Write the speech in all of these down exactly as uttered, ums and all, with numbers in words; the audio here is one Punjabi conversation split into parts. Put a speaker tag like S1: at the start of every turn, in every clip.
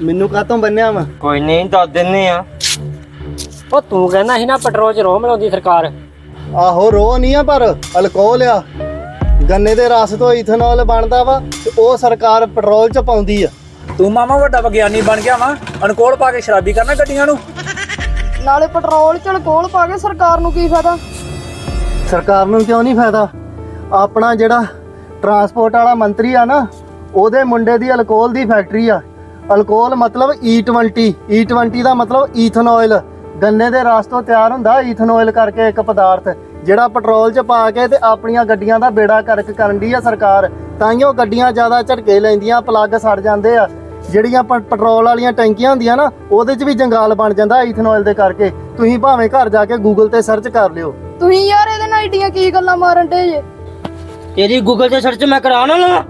S1: ਮੈਨੂੰ ਕਾਹਤੋਂ ਬੰਨਿਆ ਵਾ?
S2: ਕੋਈ ਨਹੀਂ ਦੱਸ ਦਿੰਨੇ ਆ।
S3: ਉਹ ਤੂੰ ਕਹਿੰਦਾ ਸੀ ਨਾ ਪੈਟਰੋਲ 'ਚ ਰੋਹ ਮਿਲਾਉਂਦੀ ਸਰਕਾਰ।
S1: ਆਹੋ ਰੋਹ ਨਹੀਂ ਆ ਪਰ ਅਲਕੋਹਲ ਆ। ਗੰਨੇ ਦੇ ਰਸ ਤੋਂ ਇਥਨੋਲ ਬਣਦਾ ਵਾ ਤੇ ਉਹ ਸਰਕਾਰ ਪੈਟਰੋਲ 'ਚ ਪਾਉਂਦੀ ਆ।
S4: ਤੂੰ ਮਾਮਾ ਵੱਡਾ ਵਿਗਿਆਨੀ ਬਣ ਗਿਆ ਵਾ, ਅਨਕੋਲ ਪਾ ਕੇ ਸ਼ਰਾਬੀ ਕਰਨਾ ਗੱਡੀਆਂ ਨੂੰ।
S5: ਨਾਲੇ ਪੈਟਰੋਲ 'ਚ ਅਲਕੋਹਲ ਪਾ ਕੇ ਸਰਕਾਰ ਨੂੰ ਕੀ ਫਾਇਦਾ?
S1: ਸਰਕਾਰ ਨੂੰ ਕਿਉਂ ਨਹੀਂ ਫਾਇਦਾ? ਆਪਣਾ ਜਿਹੜਾ ਟਰਾਂਸਪੋਰਟ ਵਾਲਾ ਮੰਤਰੀ ਆ ਨਾ, ਉਹਦੇ ਮੁੰਡੇ ਦੀ ਅਲਕੋਹਲ ਦੀ ਫੈਕਟਰੀ ਆ। ਅਲਕੋਹਲ ਮਤਲਬ ਈ ਟਵੰਟੀ, ਈ ਟਵੰਟੀ ਦਾ ਮਤਲਬ ਈਥਨੋਇਲ। ਗੰਨੇ ਦੇ ਰਸ ਤੋਂ ਤਿਆਰ ਹੁੰਦਾ ਈਥਨੋਇਲ ਕਰਕੇ ਇੱਕ ਪਦਾਰਥ, ਜਿਹੜਾ ਪੈਟਰੋਲ 'ਚ ਪਾ ਕੇ ਤੇ ਆਪਣੀਆਂ ਗੱਡੀਆਂ ਦਾ ਬੇੜਾ ਕਰਕ ਕਰਨ ਦੀ ਆ ਸਰਕਾਰ। ਤਾਈਓ ਗੱਡੀਆਂ ਜ਼ਿਆਦਾ ਝਟਕੇ ਲੈਂਦੀਆਂ, ਪਲੱਗ ਸੜ ਜਾਂਦੇ ਆ। ਜਿਹੜੀਆਂ ਪੈਟਰੋਲ ਵਾਲੀਆਂ ਟੈਂਕੀਆਂ ਹੁੰਦੀਆਂ ਨਾ, ਉਹਦੇ 'ਚ ਵੀ ਜੰਗਾਲ ਬਣ ਜਾਂਦਾ ਈਥਨੋਇਲ ਦੇ ਕਰਕੇ। ਤੁਸੀਂ ਭਾਵੇਂ ਘਰ ਜਾ ਕੇ ਗੂਗਲ ਤੇ ਸਰਚ ਕਰ ਲਿਓ।
S5: ਤੁਸੀਂ ਯਾਰ ਇਹਦੇ ਨਾਲ ਏਡੀਆਂ ਕੀ ਗੱਲਾਂ ਮਾਰਨ ਡੇ ਜੇ?
S2: ਤੇਰੀ ਗੂਗਲ ਤੇ ਸਰਚ ਮੈਂ ਕਰਾ ਨਾ ਲਵਾਂ।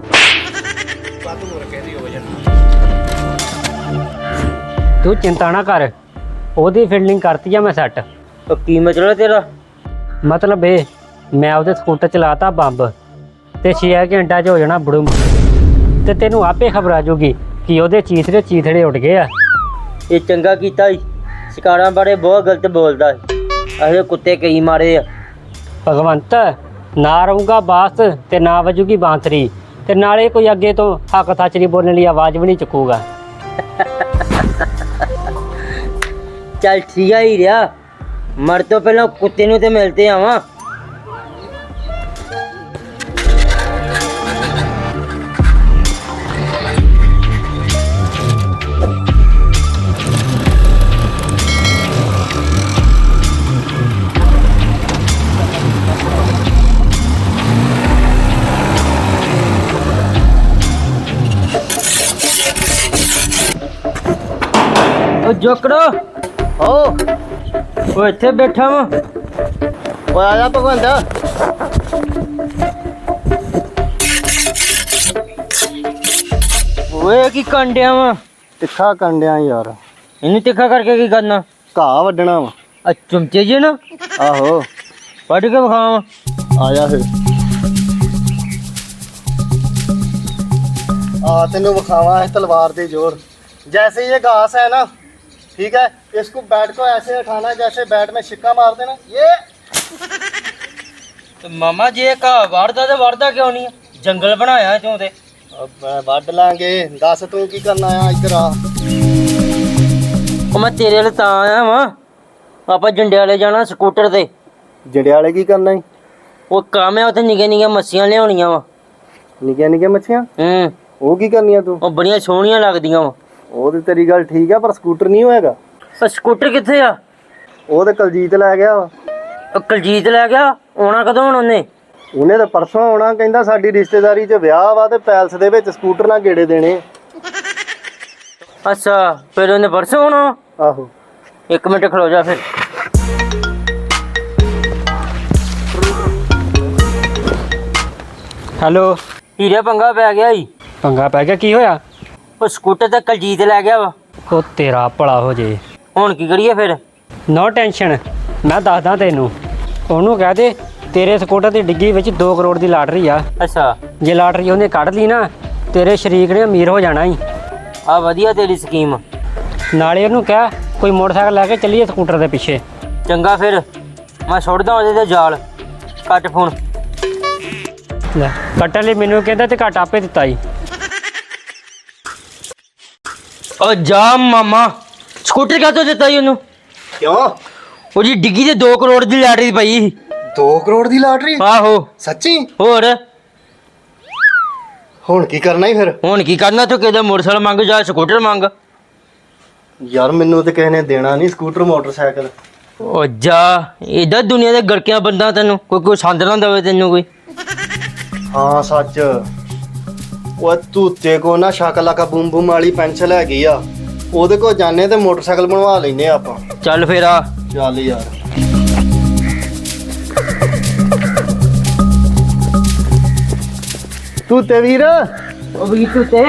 S3: ਤੂੰ ਚਿੰਤਾ ਨਾ ਕਰ, ਉਹਦੀ ਫੀਲਡਿੰਗ ਕਰਤੀ ਆ ਮੈਂ ਸੈੱਟ।
S2: ਉਹ ਕੀ ਮਤਲਬ ਤੇਰਾ?
S3: ਮਤਲਬ ਇਹ, ਮੈਂ ਉਹਦੇ ਸਕੂਟਰ ਚਲਾਤਾ ਬੰਬ ਤੇ ਛੇ ਘੰਟਿਆਂ 'ਚ ਹੋ ਜਾਣਾ ਬੜੂਮ। ਤੇ ਤੈਨੂੰ ਆਪੇ ਖਬਰ ਆ ਜਾਊਗੀ ਕਿ ਉਹਦੇ ਚੀਥੜੇ ਚੀਥੜੇ ਉੱਡ ਗਏ ਆ।
S2: ਇਹ ਚੰਗਾ ਕੀਤਾ ਈ, ਸ਼ਿਕਾਰਾਂ ਬਾਰੇ ਬਹੁਤ ਗਲਤ ਬੋਲਦਾ ਏ। ਅਹੇ ਕੁੱਤੇ ਕਈ ਮਾਰੇ ਆ।
S3: ਭਗਵੰਤ, ਨਾ ਰਹੂਗਾ ਬਾਸ ਤੇ ਨਾ ਵਜੂਗੀ ਬਾਂਸਰੀ, ਤੇ ਨਾਲੇ ਕੋਈ ਅੱਗੇ ਤੋਂ ਹੱਕ ਸੱਚ ਨਹੀਂ ਬੋਲਣ ਲਈ ਆਵਾਜ਼ ਵੀ ਨਹੀਂ ਚੁੱਕੂਗਾ।
S2: ਚੱਲ ਠੀਕ ਆ ਹੀ ਰਿਹਾ, ਮਰ ਤੋਂ ਪਹਿਲਾਂ ਕੁੱਤੇ ਨੂੰ ਤੇ ਮਿਲਤੇ ਆਵਾਂ। ਉਹ ਜੋਕੜੋ,
S1: ਓ
S2: ਉਹ ਇੱਥੇ ਬੈਠਾ ਵਾਂ।
S1: ਓਏ ਆ ਜਾ ਭਗਵੰਤ।
S2: ਓਏ ਕੀ ਕੰਡਿਆ ਵਾ?
S1: ਤਿੱਖਾ ਕੰਡਿਆ ਯਾਰ।
S2: ਇਹਨੂੰ ਤਿੱਖਾ ਕਰਕੇ ਕੀ ਕਰਨਾ?
S1: ਘਾਹ ਵੱਢਣਾ ਵਾ।
S2: ਆ ਚਮਚੇ ਜੇ ਨਾ
S1: ਆਹੋ
S2: ਵੱਢ ਕੇ ਵਿਖਾਵਾਂ।
S1: ਆ ਜਾ ਫਿਰ। आ तेनू विखावा है तलवार दे जोर। जैसे ये घास है ना, ठीक है, इसको बैट को ऐसे उठाना जैसे बैट में शिक्का मारते ना ये।
S2: तो मामा जी का वारदा तो वारदा क्यों नहीं है? जंगल बनाया क्यों ते?
S1: अब वड लांगे। दस तू की करना है? इधर आ।
S2: मैं तेरे वाले तां आया वा। आप जंडियाले जाना स्कूटर ते।
S1: जंडियाले की करना है?
S2: वो काम है, उत्थे निक्के निक्के मच्छियां लियाउणियां वा।
S1: निक्के निक्के मच्छियां?
S2: हूं
S1: वो की करनी है तू?
S2: वो बड़ियां सोहणियां लगदियां वा।
S1: वो ते तेरी गल ठीक है, पर स्कूटर नहीं होएगा।
S2: पर स्कूटर कित्थे आ?
S1: वो ते कलजीत लै गया वा।
S2: ਉਹ ਕੁਲਜੀਤ ਲੈ ਗਿਆ। ਆਉਣਾ ਕਦੋਂ ਹੁਣ ਉਹਨੇ?
S1: ਉਹਨੇ ਤਾਂ ਪਰਸੋਂ ਆਉਣਾ। ਕਹਿੰਦਾ ਸਾਡੀ ਰਿਸ਼ਤੇਦਾਰੀ 'ਚ ਵਿਆਹ ਵਾ ਤੇ ਪੈਲਸ ਦੇ ਵਿੱਚ ਸਕੂਟਰ ਨਾਲ ਗੇੜੇ ਦੇਣੇ।
S2: ਅੱਛਾ, ਫਿਰ ਉਹਨੇ ਪਰਸੋਂ ਆਉਣਾ?
S1: ਆਹੋ।
S2: ਇੱਕ ਮਿੰਟ ਖਲੋ ਜਾ ਫਿਰ।
S3: ਹੈਲੋ।
S2: ਹੀਰੇ ਪੰਗਾ ਪੈ ਗਿਆ ਈ।
S3: ਪੰਗਾ ਪੈ ਗਿਆ? ਕੀ ਹੋਇਆ?
S2: ਉਹ ਸਕੂਟਰ ਤੇ ਕੁਲਜੀਤ ਲੈ ਗਿਆ ਵਾ।
S3: ਉਹ ਤੇਰਾ ਭਲਾ ਹੋ ਜੇ।
S2: ਹੁਣ ਕੀ ਕਰੀਏ ਫਿਰ?
S3: ਨੋ ਟੈਨਸ਼ਨ, ਮੈਂ ਦੱਸਦਾ ਤੈਨੂੰ। ਉਹਨੂੰ ਕਹਿ ਦੇ ਤੇਰੇ ਸਕੂਟਰ ਦੀ ਡਿੱਗੀ ਵਿੱਚ ਦੋ ਕਰੋੜ ਦੀ ਲਾਟਰੀ ਆ।
S2: ਅੱਛਾ,
S3: ਜੇ ਲਾਟਰੀ ਉਹਨੇ ਕੱਢ ਲਈ ਨਾ, ਤੇਰੇ ਸ਼ਰੀਕ ਨੇ ਅਮੀਰ ਹੋ ਜਾਣਾ ਹੀ।
S2: ਆ ਵਧੀਆ ਤੇਰੀ ਸਕੀਮ।
S3: ਨਾਲੇ ਉਹਨੂੰ ਕਹਿ ਕੋਈ ਮੋਟਰਸਾਈਕਲ ਲੈ ਕੇ ਚੱਲੀਏ ਸਕੂਟਰ ਦੇ ਪਿੱਛੇ।
S2: ਚੰਗਾ ਫਿਰ ਮੈਂ ਸੁੱਟਦਾ ਉਹਦੇ ਤੇ ਜਾਲ। Cut phone.
S3: ਲੈ ਕੱਟਣ ਲਈ ਮੈਨੂੰ ਕਹਿੰਦਾ ਤੇ ਘੱਟ ਆਪੇ ਦਿੱਤਾ ਹੀ।
S2: ਉਹ ਜਾ ਮਾਮਾ, ਸਕੂਟਰ ਕਾਹਤੋਂ ਦਿੱਤਾ ਜੀ ਉਹਨੂੰ?
S1: ਕਿਉਂ?
S2: ਉਹਦੀ ਡਿੱਗੀ ਤੇ ਦੋ ਕਰੋੜ ਦੀ ਲਾਟਰੀ ਪਈ।
S1: ਦੋ ਕਰੋੜ ਦੀ ਲਾਟਰੀ?
S2: ਆਹੋ।
S1: ਸੱਚੀ?
S2: ਹੋਰ
S1: ਹੁਣ ਕੀ ਕਰਨਾ ਹੀ ਫਿਰ?
S2: ਹੁਣ ਕੀ ਕਰਨਾ? ਤੂੰ ਕਿਹਦਾ ਮੋਟਰਸਾਈਕਲ ਮੰਗ ਜਾ ਸਕੂਟਰ ਮੰਗ।
S1: ਯਾਰ ਮੈਨੂੰ ਤੇ ਕਿਸੇ ਨੇ ਦੇਣਾ ਨਹੀਂ ਸਕੂਟਰ ਮੋਟਰਸਾਈਕਲ।
S2: ਉਹ ਜਾ, ਇਹਦਾ ਦੁਨੀਆ ਦੇ ਗੜਕਿਆਂ ਬੰਦਾ ਤੈਨੂੰ ਕੋਈ ਕੋਈ ਸੰਦ ਨਾ ਦੇਵੇ ਤੈਨੂੰ ਕੋਈ।
S1: ਹਾਂ ਸੱਚ। ਉਹ ਤੂਤੇ ਕੋ ਨਾ ਸ਼ਕਲਾ ਕਾ ਬੂਮ ਬੂਮ ਵਾਲੀ ਪੈਨਸਲ ਹੈਗੀ ਆ, ਉਹਦੇ ਕੋਲ ਜਾਣੇ ਤੇ ਮੋਟਰਸਾਈਕਲ ਬਣਵਾ ਲੈਨੇ ਆਪਾਂ।
S2: ਚੱਲ ਫੇਰ ਆ।
S1: ਚੱਲ ਯਾਰ। ਤੂਤੇ ਵੀਰ।
S2: ਉਹ ਵੀ ਤੂੰ ਤੇ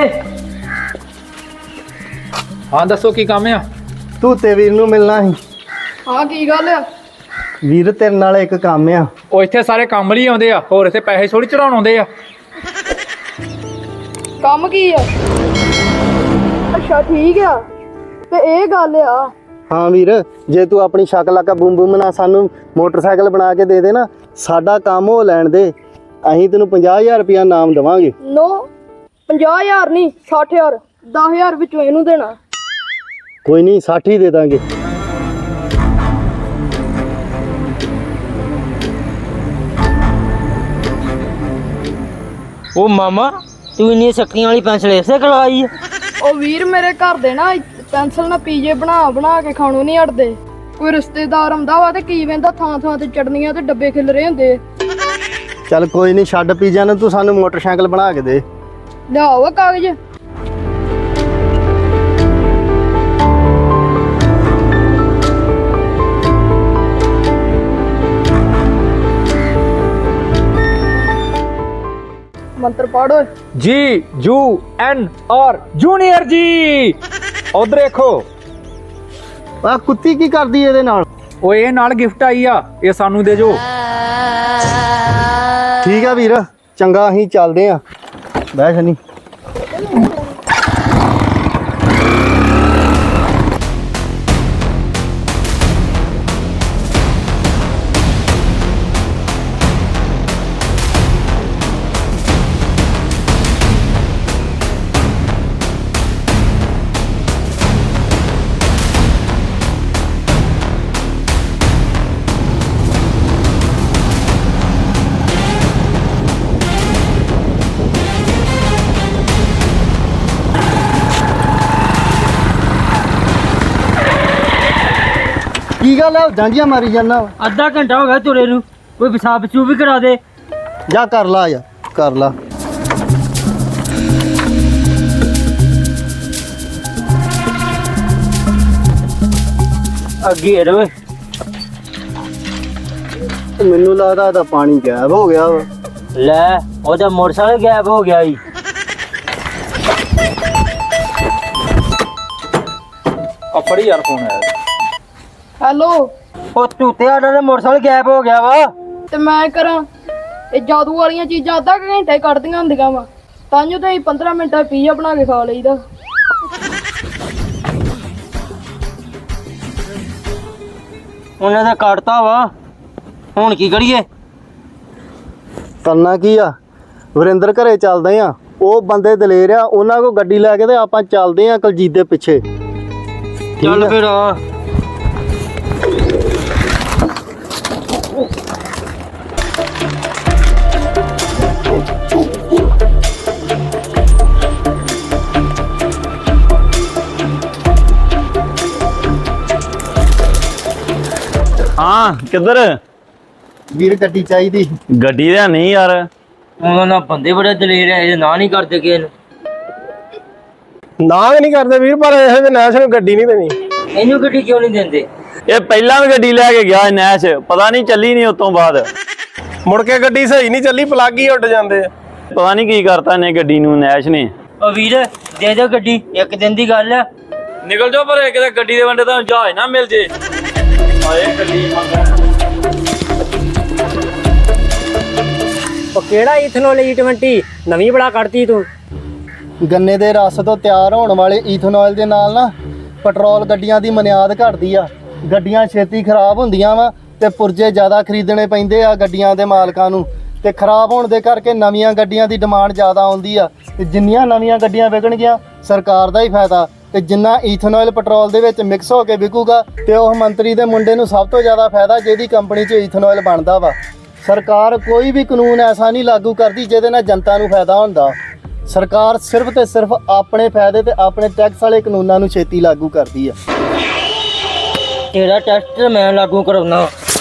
S4: ਹਾਂ ਦੱਸੋ ਕੀ ਕੰਮ ਆ?
S1: ਤੂਤੇ ਵੀਰ ਨੂੰ ਮਿਲਣਾ ਸੀ।
S5: ਹਾਂ ਕੀ ਗੱਲ ਆ?
S1: ਵੀਰ ਤੇਰੇ ਨਾਲ ਇੱਕ ਕੰਮ ਆ।
S4: ਉਹ ਇੱਥੇ ਸਾਰੇ ਕੰਮ ਲਈ ਆਉਂਦੇ ਆ, ਹੋਰ ਇੱਥੇ ਪੈਸੇ ਥੋੜੀ ਚੜਾਉਣ ਆਉਂਦੇ ਆ।
S5: ਕੰਮ ਕੀ ਆ? ਅੱਛਾ ਠੀਕ ਆ ਤੇ ਇਹ ਗੱਲ ਆ।
S1: ਹਾਂ ਵੀਰ, ਜੇ ਤੂੰ ਆਪਣੀ ਸ਼ਕਲ ਲਾਕਾ ਬੂਮ ਬੂਮ ਨਾ ਸਾਨੂੰ ਮੋਟਰਸਾਈਕਲ ਬਣਾ ਕੇ ਦੇ ਦੇ ਨਾ, ਸਾਡਾ ਕੰਮ ਹੋ ਲੈਣ ਦੇ, ਅਸੀਂ ਤੈਨੂੰ ਪੰਜਾਹ ਹਜ਼ਾਰ ਰੁਪਇਆ ਇਨਾਮ ਦੇਵਾਂਗੇ।
S5: ਨੋ ਪੰਜਾਹ ਹਜ਼ਾਰ ਨਹੀਂ ਸੱਠ ਹਜ਼ਾਰ, ਦਸ ਹਜ਼ਾਰ ਵਿੱਚੋਂ ਇਹਨੂੰ ਦੇਣਾ।
S1: ਕੋਈ ਨਹੀਂ, ਸੱਠ ਹੀ ਦੇ ਦਾਂਗੇ।
S2: ਉਹ ਮਾਮਾ ਤੂੰ ਇੰਨੀ ਸ਼ਕਤੀਆਂ ਵਾਲੀ ਪੈਨਸਲ ਇਸੇ ਖਲਵਾਈ ਆ?
S5: ਉਹ ਵੀਰ ਮੇਰੇ ਘਰ ਦੇ ਨਾ ਪੈਨਸਲ ਨਾਲ ਪੀਜੇ ਬਣਾ ਬਣਾ ਕੇ ਖਾਣੋਂ ਨਹੀਂ ਹਟਦੇ। ਕੋਈ ਰਿਸ਼ਤੇਦਾਰ ਆਉਂਦਾ ਵਾ ਤੇ ਕੀ ਵੇਂਦਾ ਥਾਂ ਥਾਂ ਤੇ ਚਟਨੀਆਂ ਤੇ ਡੱਬੇ ਖਿਲ ਰਹੇ ਹੁੰਦੇ।
S1: ਚੱਲ ਕੋਈ ਨਹੀਂ, ਛੱਡ ਪੀਜ਼ਾ ਨੂੰ, ਤੂੰ ਸਾਨੂੰ ਮੋਟਰਸਾਈਕਲ ਬਣਾ ਕੇ ਦੇ।
S5: ਲਿਆਓ ਕਾਗਜ਼। ਮੰਤਰ ਪੜੋ।
S4: ਜੀ ਜੂ ਐਨ ਆਰ ਜੂਨੀਅਰ ਜੀ। ਉਧਰ ਦੇਖੋ,
S1: ਆ ਕੁੱਤੀ ਕੀ ਕਰਦੀ ਇਹਦੇ ਨਾਲ?
S4: ਉਹ ਇਹ ਨਾਲ ਗਿਫਟ ਆਈ ਆ, ਇਹ ਸਾਨੂੰ ਦੇ ਜੋ।
S1: ਠੀਕ ਆ ਵੀਰ, ਚੰਗਾ, ਅਸੀਂ ਚੱਲਦੇ ਆ। ਬਹਿ ਸ਼ਨੀ। ਕੀ ਗੱਲ ਹੈ, ਜਾਂਜੀਆਂ ਮਾਰੀ ਜਾਂਦਾ?
S2: ਅੱਧਾ ਘੰਟਾ ਹੋ ਗਿਆ ਤੁਰੇ ਨੂੰ, ਕੋਈ ਪਿਸ਼ਾਬ ਪਿਸ਼ੂਬ ਵੀ ਕਰਾ ਦੇ।
S1: ਜਾ ਕਰ ਲਾ, ਯਾਰ ਕਰ ਲਾ।
S2: ਅੱਗੇ ਰਵੇ।
S1: ਮੈਨੂੰ ਲੱਗਦਾ ਇਹਦਾ ਪਾਣੀ ਗਾਇਬ ਹੋ ਗਿਆ ਵਾ।
S2: ਲੈ ਉਹਦਾ ਮੋਟਰਸਾਈਕਲ ਗਾਇਬ ਹੋ ਗਿਆ ਈ।
S4: ਆ ਫੜੀ ਯਾਰ ਫੋਨ ਆਇਆ।
S5: ਹੈਲੋ।
S2: ਉਹ ਤੂਤੇ ਸਾਡਾ ਦਾ ਮੋਟਰਸਾਈਕਲ ਗਾਇਬ ਹੋ ਗਿਆ ਵਾ।
S5: ਤੇ ਮੈਂ ਕਰਾਂ, ਇਹ ਜਾਦੂ ਵਾਲੀਆਂ ਚੀਜ਼ਾਂ ਅੱਧਾ ਕੁ ਘੰਟਾ ਹੀ ਕੱਢਦੀਆਂ ਹੁੰਦੀਆਂ ਵਾ, ਤਾਂ ਜੋ ਤੇ ਪੰਦਰਾਂ ਮਿੰਟਾਂ ਪੀਜ਼ਾ ਬਣਾ ਕੇ ਖਾ ਲਈਦਾ।
S2: ਉਹਨਾਂ ਦਾ ਕੱਟਤਾ ਵਾ, ਹੁਣ ਕੀ ਕਰੀਏ?
S1: ਕਰਨਾ ਕੀ ਆ, ਵਰਿੰਦਰ ਘਰੇ ਚੱਲਦੇ ਆ। ਉਹ ਬੰਦੇ ਦਲੇਰ ਆ, ਉਹਨਾਂ ਕੋਲ ਗੱਡੀ ਲੈ ਕੇ ਤੇ ਆਪਾਂ ਚੱਲਦੇ ਆ ਕੁਲਜੀਤ ਦੇ ਪਿੱਛੇ।
S2: ਚੱਲ ਫਿਰ ਆ।
S6: ਹਾਂ ਕਿੱਧਰ?
S1: ਵੀਰ ਗੱਡੀ ਚਾਹੀਦੀ।
S6: ਗੱਡੀ ਦਾ ਨਹੀਂ ਯਾਰ,
S2: ਉਹਨਾਂ ਨਾਲ ਬੰਦੇ ਬੜੇ ਦਲੇਰ ਐ, ਇਹ ਨਾ ਨਹੀਂ ਕਰਦੇ ਕਿਸੇ ਨੂੰ।
S7: ਨਾ ਨਹੀਂ ਕਰਦੇ ਵੀਰ, ਪਰ ਇਹ ਤੇ ਨੈਸ਼ ਨੂੰ ਗੱਡੀ ਨਹੀਂ ਦੇਣੀ।
S2: ਇਹਨੂੰ ਗੱਡੀ ਕਿਉਂ ਨਹੀਂ ਦਿੰਦੇ?
S6: ਇਹ ਪਹਿਲਾਂ ਵੀ ਗੱਡੀ ਲੈ ਕੇ ਗਿਆ ਨੈਸ਼, ਪਤਾ ਨਹੀਂ ਚੱਲੀ ਨਹੀਂ ਉਸ ਤੋਂ ਬਾਅਦ।
S7: ਮੁੜ ਕੇ ਗੱਡੀ ਸਹੀ ਨਹੀਂ ਚੱਲੀ, ਪਲੱਗ ਹੀ ਉੱਡ ਜਾਂਦੇ ਆ।
S6: ਪਤਾ ਨਹੀਂ ਕੀ ਕਰਤਾ ਇਹਨੇ ਗੱਡੀ ਨੂੰ ਨੈਸ਼ ਨੇ।
S2: ਉਹ ਵੀਰ ਦੇ ਦਿਓ ਗੱਡੀ, ਇੱਕ ਦਿਨ ਦੀ ਗੱਲ ਆ।
S6: ਨਿਕਲ ਜਾਓ ਪਰ ਕਿਤੇ ਗੱਡੀ ਦੇ ਵੰਡੇ ਤਾਂ ਜਹਾਜ਼ ਨਾ ਮਿਲ ਜੇ। ਆਏ ਗੱਡੀ
S3: ਉਹ ਕਿਹੜਾ ਇਥਨੋਲ ਈ ਟਵੰਟੀ ਨਵੀਂ ਬੜਾ ਕੱਢਤੀ ਤੂੰ।
S1: ਗੰਨੇ ਦੇ ਰਸ ਤੋਂ ਤਿਆਰ ਹੋਣ ਵਾਲੇ ਈਥਨੋਲ ਦੇ ਨਾਲ ਨਾ ਪੈਟਰੋਲ ਗੱਡੀਆਂ ਦੀ ਮਨਿਆਦ ਘਟਦੀ ਆ। ਗੱਡੀਆਂ ਛੇਤੀ ਖਰਾਬ ਹੁੰਦੀਆਂ ਵਾ ਤੇ ਪੁਰਜੇ ਜ਼ਿਆਦਾ ਖਰੀਦਣੇ ਪੈਂਦੇ ਆ ਗੱਡੀਆਂ ਦੇ ਮਾਲਕਾਂ ਨੂੰ, ਤੇ ਖਰਾਬ ਹੋਣ ਦੇ ਕਰਕੇ ਨਵੀਆਂ ਗੱਡੀਆਂ ਦੀ ਡਿਮਾਂਡ ਜ਼ਿਆਦਾ ਆਉਂਦੀ ਆ। ਤੇ ਜਿੰਨੀਆਂ ਨਵੀਆਂ ਗੱਡੀਆਂ ਵਿਕਣਗੀਆਂ ਸਰਕਾਰ ਦਾ ਹੀ ਫਾਇਦਾ, ਤੇ ਜਿੰਨਾ ਈਥਨੋਲ ਪੈਟਰੋਲ ਦੇ ਵਿੱਚ ਮਿਕਸ ਹੋ ਕੇ ਵਿਕੂਗਾ ਤੇ ਉਹ ਮੰਤਰੀ ਦੇ ਮੁੰਡੇ ਨੂੰ ਸਭ ਤੋਂ ਜ਼ਿਆਦਾ ਫਾਇਦਾ, ਜਿਹਦੀ ਕੰਪਨੀ 'ਚ ਈਥਨੋਲ ਬਣਦਾ ਵਾ। ਸਰਕਾਰ ਕੋਈ ਵੀ ਕਾਨੂੰਨ ਐਸਾ ਨਹੀਂ ਲਾਗੂ ਕਰਦੀ ਜਿਹਦੇ ਨਾਲ ਜਨਤਾ ਨੂੰ ਫਾਇਦਾ ਹੁੰਦਾ। ਸਰਕਾਰ ਸਿਰਫ ਤੇ ਸਿਰਫ ਆਪਣੇ ਫਾਇਦੇ ਤੇ ਆਪਣੇ ਟੈਕਸ ਵਾਲੇ ਕਾਨੂੰਨਾਂ ਨੂੰ ਛੇਤੀ ਲਾਗੂ ਕਰਦੀ ਆ।
S2: ਤੇਰਾ ਟੈਸਟ ਮੈਂ ਲਾਗੂ ਕਰਾਉਣਾ।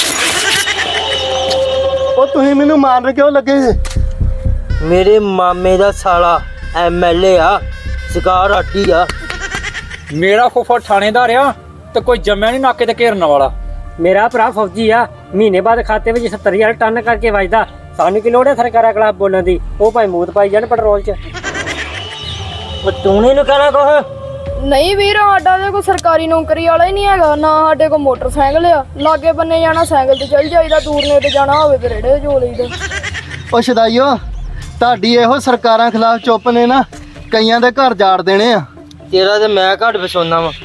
S1: ਉਹ ਤੁਸੀਂ ਮੈਨੂੰ ਮਾਰਨ ਕਿਉਂ ਲੱਗੇ?
S2: ਮੇਰੇ ਮਾਮੇ ਦਾ ਸਾਲਾ ਐਮ ਐਲ ਏ ਆ, ਸ਼ਿਕਾਰ ਆਟੀ ਆ।
S4: ਮੇਰਾ ਫੁੱਫੜ ਥਾਣੇਦਾਰ ਆ ਤੇ ਕੋਈ ਜੰਮਿਆ ਨਹੀਂ ਨਾਕੇ ਤੇ ਘੇਰਨ ਵਾਲਾ।
S3: ਮੇਰਾ ਭਰਾ ਫੌਜੀ ਆ, ਮਹੀਨੇ ਬਾਅਦ ਖਾਤੇ ਵਿੱਚ ਸੱਤਰ ਹਜ਼ਾਰ ਟਨ ਕਰਕੇ ਵੱਜਦਾ। ਸਾਨੂੰ ਕੀ ਲੋੜ ਹੈ ਸਰਕਾਰਾਂ ਖਿਲਾਫ ਬੋਲਣ ਦੀ? ਉਹ ਭਾਈ ਮੂਤ ਪਾਈ ਜਾਣ ਪੈਟਰੋਲ 'ਚ।
S2: ਉਹ ਤੂੰ ਨੀ ਨੂੰ ਕਹਿਣਾ ਕੁਛ?
S5: ਨਹੀਂ ਵੀਰ, ਸਾਡਾ ਤੇ ਕੋਈ ਸਰਕਾਰੀ ਨੌਕਰੀ ਵਾਲਾ ਹੀ ਨਹੀਂ ਹੈਗਾ, ਨਾ ਸਾਡੇ ਕੋਲ ਮੋਟਰਸਾਈਕਲ ਆ। ਲਾਗੇ ਬੰਨੇ ਜਾਣਾ ਸਾਈਕਲ ਤੇ ਚੱਲ ਜਾਈਦਾ, ਦੂਰ ਨੇ ਤੇ ਜਾਣਾ ਹੋਵੇ ਤੇ ਰੇੜੇ ਜੋ ਲਈਦਾ।
S1: ਉਹ ਸ਼ਦਾਈਓ, ਤੁਹਾਡੀ ਇਹੋ ਸਰਕਾਰਾਂ ਖਿਲਾਫ ਚੁੱਪ ਨੇ ਨਾ ਕਈਆਂ ਦੇ ਘਰ ਜਾੜ ਦੇਣੇ ਆ।
S2: ਤੇਰਾ ਤੇ ਮੈਂ ਘੱਟ ਫਸਾਉਣਾ ਵਾ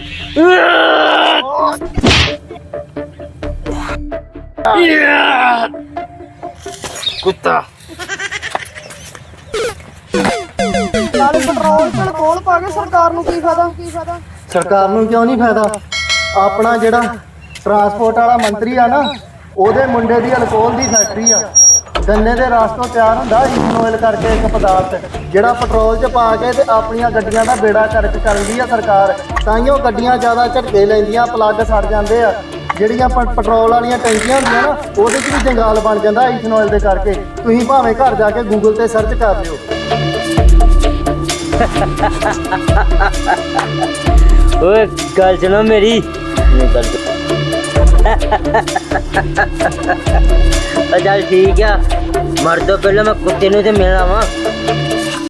S2: ਕੁੱਤਾ
S5: ਨਾਲੇ ਪੈਟਰੋਲ ਤੇ ਅਲਕੋਹਲ ਪਾ ਕੇ ਸਰਕਾਰ ਨੂੰ ਕੀ ਫਾਇਦਾ ਕੀ ਫਾਇਦਾ
S1: ਸਰਕਾਰ ਨੂੰ ਕਿਉਂ ਨਹੀਂ ਫਾਇਦਾ? ਆਪਣਾ ਜਿਹੜਾ ਟਰਾਂਸਪੋਰਟ ਵਾਲਾ ਮੰਤਰੀ ਆ ਨਾ, ਉਹਦੇ ਮੁੰਡੇ ਦੀ ਅਲਕੋਹਲ ਦੀ ਫੈਕਟਰੀ ਆ। ਗੰਨੇ ਦੇ ਰਸ ਤੋਂ ਤਿਆਰ ਹੁੰਦਾ ਇਥਨੋਇਲ ਕਰਕੇ ਇੱਕ ਪਦਾਰਥ, ਜਿਹੜਾ ਪੈਟਰੋਲ 'ਚ ਪਾ ਕੇ ਤੇ ਆਪਣੀਆਂ ਗੱਡੀਆਂ ਦਾ ਬੇੜਾ ਕਰਕ ਕਰਦੀ ਆ ਸਰਕਾਰ। ਤਾਈਓ ਗੱਡੀਆਂ ਜ਼ਿਆਦਾ ਝਟਕੇ ਲੈਂਦੀਆਂ, ਪਲੱਗ ਸੜ ਜਾਂਦੇ ਆ। ਜਿਹੜੀਆਂ ਪ- ਪੈਟਰੋਲ ਵਾਲੀਆਂ ਟੈਂਕੀਆਂ ਹੁੰਦੀਆਂ ਨਾ, ਉਹਦੇ 'ਚ ਵੀ ਜੰਗਾਲ ਬਣ ਜਾਂਦਾ ਇਥਨੋਇਲ ਦੇ ਕਰਕੇ। ਤੁਸੀਂ ਭਾਵੇਂ ਘਰ ਜਾ ਕੇ ਗੂਗਲ ਤੇ ਸਰਚ ਕਰ ਲਿਓ।
S2: ਓਏ ਗੱਲ ਸੁਣੋ ਮੇਰੀ ਇਹ ਗੱਲ ਸੁਣੋ। ਉਹ ਚੱਲ ਠੀਕ ਆ, ਮਰ ਤੋਂ ਪਹਿਲਾਂ ਮੈਂ ਕੁੱਤੇ ਨੂੰ ਤੇ ਮਿਲਣਾ ਵਾ।